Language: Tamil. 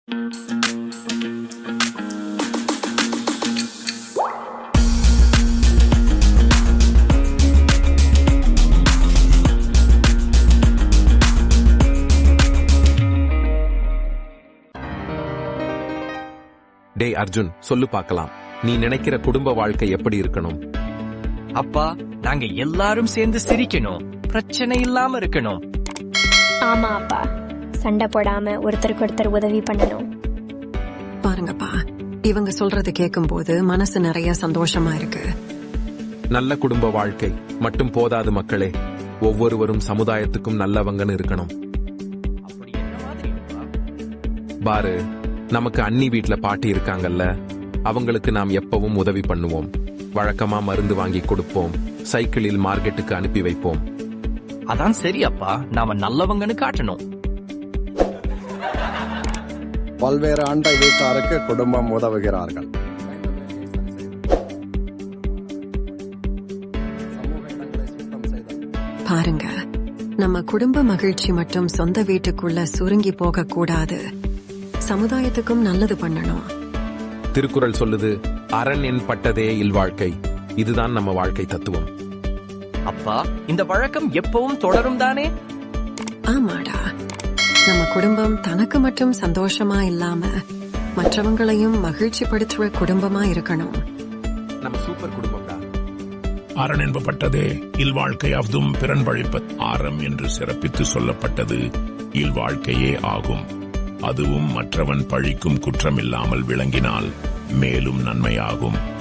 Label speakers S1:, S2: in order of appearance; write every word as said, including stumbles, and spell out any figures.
S1: டே அர்ஜுன், சொல்லு பார்க்கலாம். நீ நினைக்கிற குடும்ப வாழ்க்கை எப்படி இருக்கணும்?
S2: அப்பா, நாங்க எல்லாரும் சேர்ந்து சிரிக்கணும், பிரச்சனை இல்லாம இருக்கணும்.
S3: ஆமா அப்பா, சண்டை போடாம ஒருத்தருக்கு ஒருத்தர் உதவி பண்ணணும்.
S4: பாருங்கப்பா, இவங்க சொல்றது கேட்கும் போது மனசு நிறைய சந்தோஷமா இருக்கு.
S1: நல்ல குடும்ப வாழ்க்கை மட்டும் போதாது மக்களே, ஒவ்வொருவரும் சமுதாயத்துக்கும் நல்லவங்கன்னு இருக்கணும்.
S2: அப்படி என்ன மாதிரி அப்பா?
S1: பாரு, நமக்கு அண்ணி வீட்ல பாட்டி இருக்காங்கல்ல, அவங்களுக்கு நாம் எப்பவும் உதவி பண்ணுவோம். வழக்கமா மருந்து வாங்கி கொடுப்போம், சைக்கிளில் மார்க்கெட்டுக்கு அனுப்பி வைப்போம்.
S2: அதான் சரி அப்பா, நாம நல்லவங்கன்னு காட்டணும்.
S5: பல்வேறு அண்டை வீட்டாருக்கு குடும்பம் உதவுகிறார்கள்.
S4: பாருங்க, நம்ம குடும்ப மகிழ்ச்சி மட்டும் சொந்த வீட்டுக்குள்ள சுருங்கி போக கூடாது, சமுதாயத்துக்கும் நல்லது பண்ணணும்.
S1: திருக்குறள் சொல்லுது, அரண் என் பட்டதே இல்வாழ்க்கை. இதுதான் நம்ம வாழ்க்கை தத்துவம்.
S2: அப்பா, இந்த வழக்கம் எப்பவும் தொடரும் தானே?
S4: ஆமாடா, நம்ம குடும்பம் தனக்கு மட்டும் சந்தோஷமா இல்லாம மற்றவங்களையும் மகிழ்ச்சி படுத்துற குடும்பமா இருக்கணும்.
S1: நம்ம சூப்பர் குடும்பம்டா.
S6: அரண் என்பப்பட்டதே இல்வாழ்க்கையாவதும் பிறன் பழிப்ப ஆரம் என்று சிறப்பித்து சொல்லப்பட்டது இல்வாழ்க்கையே ஆகும். அதுவும் மற்றவன் பழிக்கும் குற்றமில்லாமல் விளங்கினால் மேலும் நன்மையாகும்.